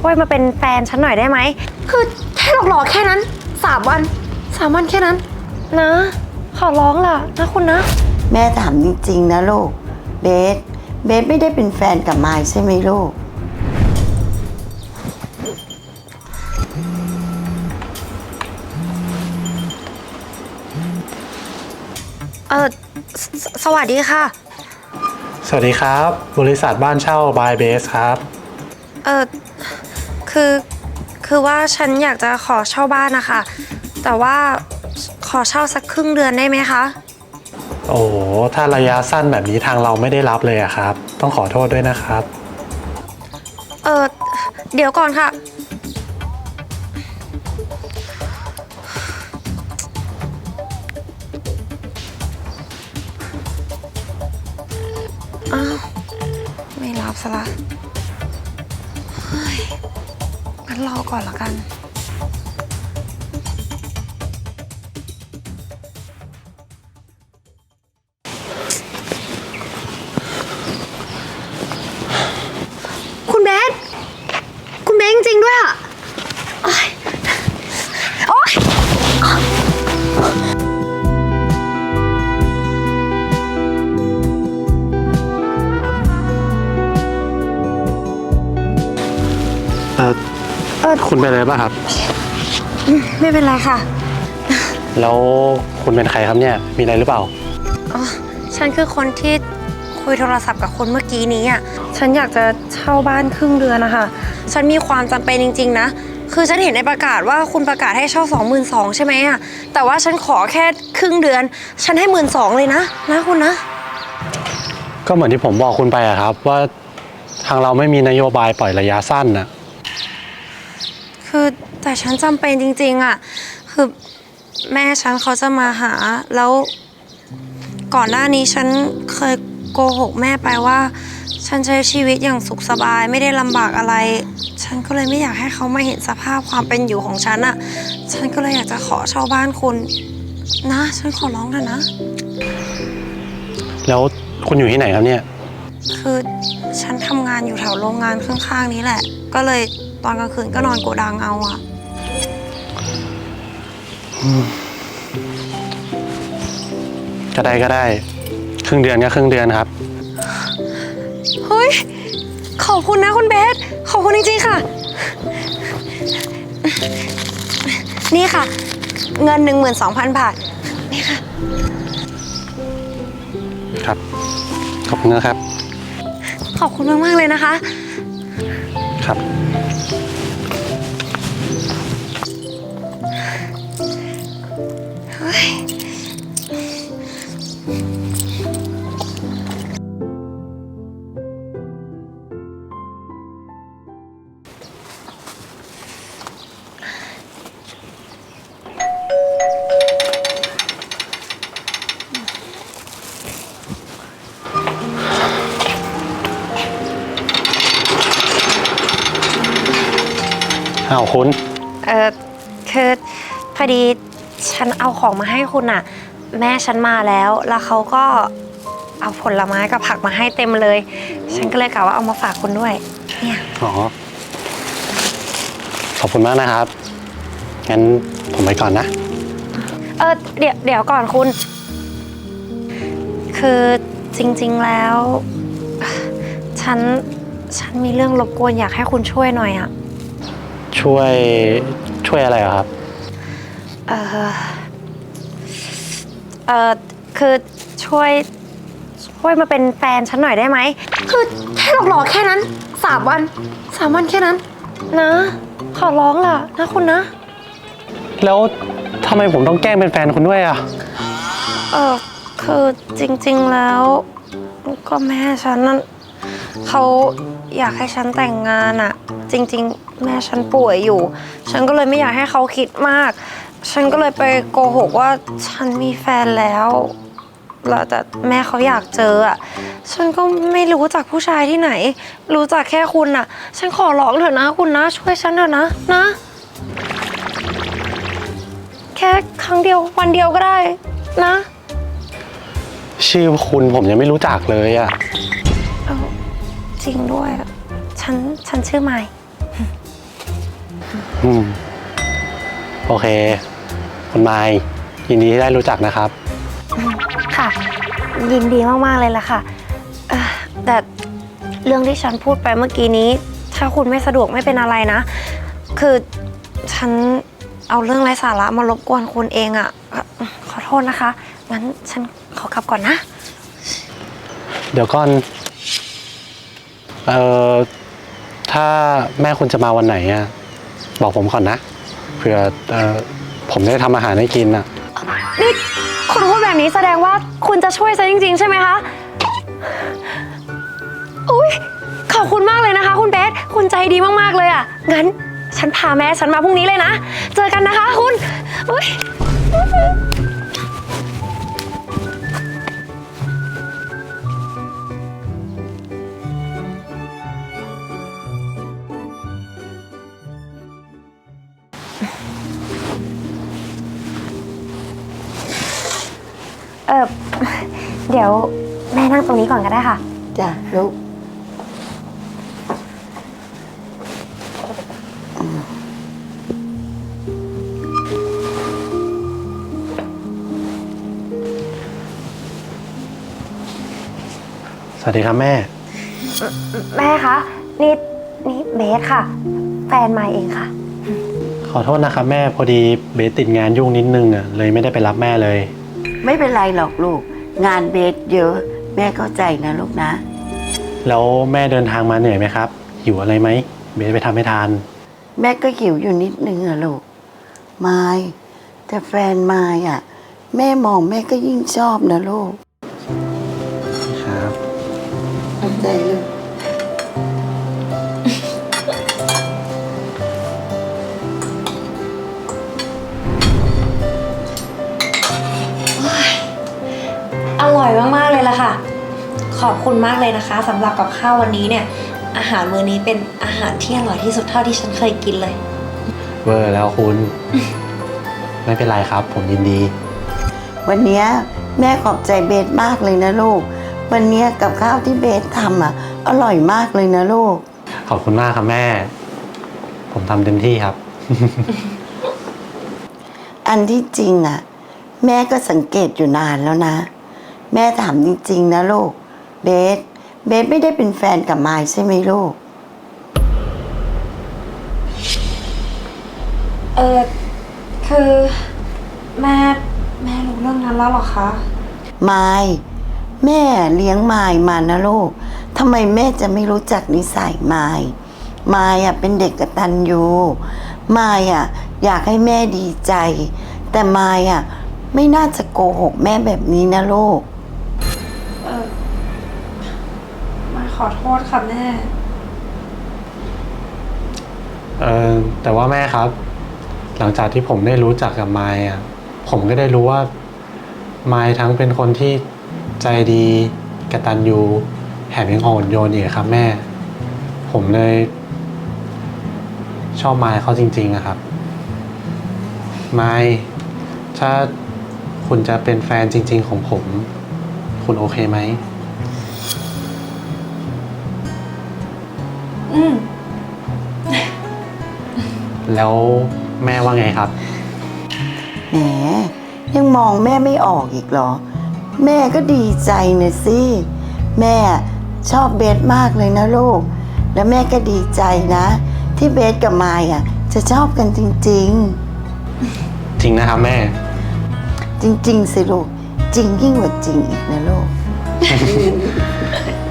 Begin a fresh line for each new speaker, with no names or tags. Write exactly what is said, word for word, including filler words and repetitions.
ช่วยมาเป็นแฟนฉันหน่อยได้ไหมคือแค่หลอกๆแค่นั้นสามวันสามวันแค่นั้นนะขอร้องล่ะนะคุณนะ
แม่ถามจริงๆนะลูกเบสเบสไม่ได้เป็นแฟนกับมายใช่ไหมลูก
เออสสวัสดีค่ะ
สวัสดีครับบริษัทบ้านเช่าบายเบสครับ
เออคือคือว่าฉันอยากจะขอเช่าบ้านนะคะแต่ว่าขอเช่าสักครึ่งเดือนได้ไหมคะ
โอ้โหถ้าระยะสั้นแบบนี้ทางเราไม่ได้รับเลยอะครับต้องขอโทษด้วยนะครับ
เออเดี๋ยวก่อนค่ะอ้าวไม่รับซะละเฮ้ยงั้นรอก่อนละกันคุณเบสคุณเบสจริงๆด้วยอ่ะโอ๊ยโอ๊ย
เออเออคุณเป็นอะไรบ้างครับ
ไม่เป็นไรค่ะ
แล้วคุณเป็นใครครับเนี่ยมีอะไรหรือเปล่า
อ๋อฉันคือคนที่คุยโทรศัพท์กับคนเมื่อกี้นี้อ่ะฉันอยากจะเช่าบ้านครึ่งเดือนนะคะฉันมีความจำเป็นจริงๆนะคือฉันเห็นในประกาศว่าคุณประกาศให้เช่าสองหมื่นสองใช่ไหมอ่ะแต่ว่าฉันขอแค่ครึ่งเดือนฉันให้หมื่นสองเลยนะนะคุณนะ
ก็เหมือนที่ผมบอกคุณไปอะครับว่าทางเราไม่มีนโยบายปล่อยระยะสั้นน่ะ
คือแต่ฉันจำเป็นจริงๆอ่ะคือแม่ฉันเขาจะมาหาแล้วก่อนหน้านี้ฉันเคยโกหกแม่ไปว่าฉันใช้ชีวิตอย่างสุขสบายไม่ได้ลำบากอะไรฉันก็เลยไม่อยากให้เขามาเห็นสภาพความเป็นอยู่ของฉันอ่ะฉันก็เลยอยากจะขอเช่าบ้านคุณนะฉันขอร้องเถอะนะ
แล้วคุณอยู่ที่ไหนครับเนี่ย
คือฉันทำงานอยู่แถวโรงงานข้างๆนี้แหละก็เลยตอนกลางคืนก็นอนโกดังเอาอะ
ก็ได้ก็ได้ครึ่งเดือนก็ครึ่งเดือนครับ
เฮ้ยขอบคุณนะคุณเบสขอบคุณจริงๆค่ะนี่ค่ะเงินหนึ่งหมื่นสองพันบาทนี่ค่ะ
ครับขอบคุณนะครับ
ขอบคุณมากๆเลยนะคะ
ครับ
เฮ้ย
อ้าวคุณ
เออคือพอดีฉันเอาของมาให้คุณอะแม่ฉันมาแล้วแล้วเขาก็เอาผลไม้กับผักมาให้เต็มเลยฉันก็เลยกะว่าเอามาฝากคุณด้วยเนี่ย
อ๋อขอบคุณมากนะครับงั้นผมไปก่อนนะ
เออเดี๋ยวเดี๋ยวก่อนคุณคือจริงๆแล้วฉันฉันมีเรื่องรบกวนอยากให้คุณช่วยหน่อยอะ
ช่วยช่วยอะไรครับ
เออเออคือช่วยช่วยมาเป็นแฟนฉันหน่อยได้ไหมคือแค่หลอกๆแค่นั้นสามวันสามวันแค่นั้นนะขอร้องล่ะนะคุณนะ
แล้วทำไมผมต้องแกล้งเป็นแฟนคุณด้วยอ่ะ
เออคือจริงๆแล้วก็แม่ฉันนั่นเขาอยากให้ฉันแต่งงานอะจริงๆแม่ฉันป่วยอยู่ฉันก็เลยไม่อยากให้เขาคิดมากฉันก็เลยไปโกหกว่าฉันมีแฟนแล้วแล้วแต่แม่เขาอยากเจออะฉันก็ไม่รู้จักผู้ชายที่ไหนรู้จักแค่คุณอะฉันขอร้องเถอะนะคุณนะช่วยฉันเถอะนะนะแค่ครั้งเดียววันเดียวก็ได้นะ
ชื่อคุณผมยังไม่รู้จักเลยอ่ะ
เอาจริงด้วยฉันฉันชื่อไมค์
อืม โอเค คุณไมค์ยินดีที่ได้รู้จักนะครับ
ค่ะ ยินดีมากๆเลยล่ะค่ะเอ่อแต่เรื่องที่ฉันพูดไปเมื่อกี้นี้ ถ้าคุณไม่สะดวกไม่เป็นอะไรนะ คือฉันเอาเรื่องไร้สาระมารบกวนคุณเองอะ่ะเอ่อขอโทษนะคะ งั้นฉันขอกลับก่อนนะ
เดี๋ยวก่อน เอ่อ ถ้าแม่คุณจะมาวันไหนอะบอกผมก่อนนะ เผื่อ เอ่อ ผมได้ทำอาหารให้กินอะ
นี่คุณพูดแบบนี้แสดงว่าคุณจะช่วยฉันจริงๆ ใช่ไหมคะ อุ้ยขอบคุณมากเลยนะคะ คุณเบส คุณใจดีมากๆเลยอ่ะ งั้นฉันพาแม่ฉันมาพรุ่งนี้เลยนะ เจอกันนะคะคุณอุ้ย เออเดี๋ยวแม่นั่งตรงนี้ก่อนก็ได้ค่ะ
จ้ะลูก
สวัสดีครับแม่
แม่คะ นี่นี่เบสค่ะ แฟนมายเองค่ะ
ขอโทษนะครับแม่ พอดีเบสติดงานยุ่งนิดนึงอะเลยไม่ได้ไปรับแม่เลย
ไม่เป็นไรหรอกลูก งานเบสเยอะ แม่เข้าใจนะลูกนะ
แล้วแม่เดินทางมาเหนื่อยไหมครับ หิวอะไรไหม เบสไปทำให้ทาน
แม่ก็หิวอยู่นิดนึงอะลูกไม้แต่แฟนไม้อะแม่มองแม่ก็ยิ่งชอบนะลูก
ครับ
เข้าใจลูก
อร่อยมากๆเลยล่ะค่ะ ขอบคุณมากเลยนะคะสำหรับกับข้าววันนี้เนี่ย อาหารมื้อนี้เป็นอาหารที่อร่อยที่สุดเท่าที่ฉันเคยกินเลย
เวอร์แล้วคุณ ไม่เป็นไรครับ ผมยินดี
วันเนี้ยแม่ขอบใจเบสมากเลยนะลูก วันเนี้ยกับข้าวที่เบสทำอ่ะ อร่อยมากเลยนะลูก
ขอบคุณมากครับแม่ ผมทำเต็มที่ครับ
อันที่จริงอ่ะ แม่ก็สังเกตอยู่นานแล้วนะ แม่ถามจริงๆนะลูก เบส เบสไม่ได้เป็นแฟนกับมายใช่ไหมลูก
เออคือแม่แม่รู้เรื่องนั้นแล้วเหรอคะ
มายแม่เลี้ยงมายมานะลูกทำไมแม่จะไม่รู้จักนิสัยมายมายอ่ะเป็นเด็กกตัญญูมายอ่ะอยากให้แม่ดีใจ แต่มายอ่ะไม่น่าจะโกหกแม่แบบนี้นะลูก
เออมาขอโทษค่ะแม่
เออแต่ว่าแม่ครับ หลังจากที่ผมได้รู้จักกับไมค์อ่ะ ผมก็ได้รู้ว่าไมค์ทั้งเป็นคนที่ใจดีกตัญญูแถมยังอ่อนโยนอีกครับแม่ ผมเลย ชอบไมค์เขาจริงๆอะครับ ไมค์ถ้าคุณจะเป็นแฟนจริงๆของผม คุณโอเคไหม
อืม
แล้วแม่ว่าไงครับ
แหมยังมองแม่ไม่ออกอีกเหรอ แม่ก็ดีใจนะสิ แม่ชอบเบสมากเลยนะลูก แล้วแม่ก็ดีใจนะ ที่เบสกับมายอ่ะ จะชอบกันจริง
จริงนะครับแม่
ๆ จริง ๆ สิลูก จริงยิ่งกว่าจริงอีกนะลูก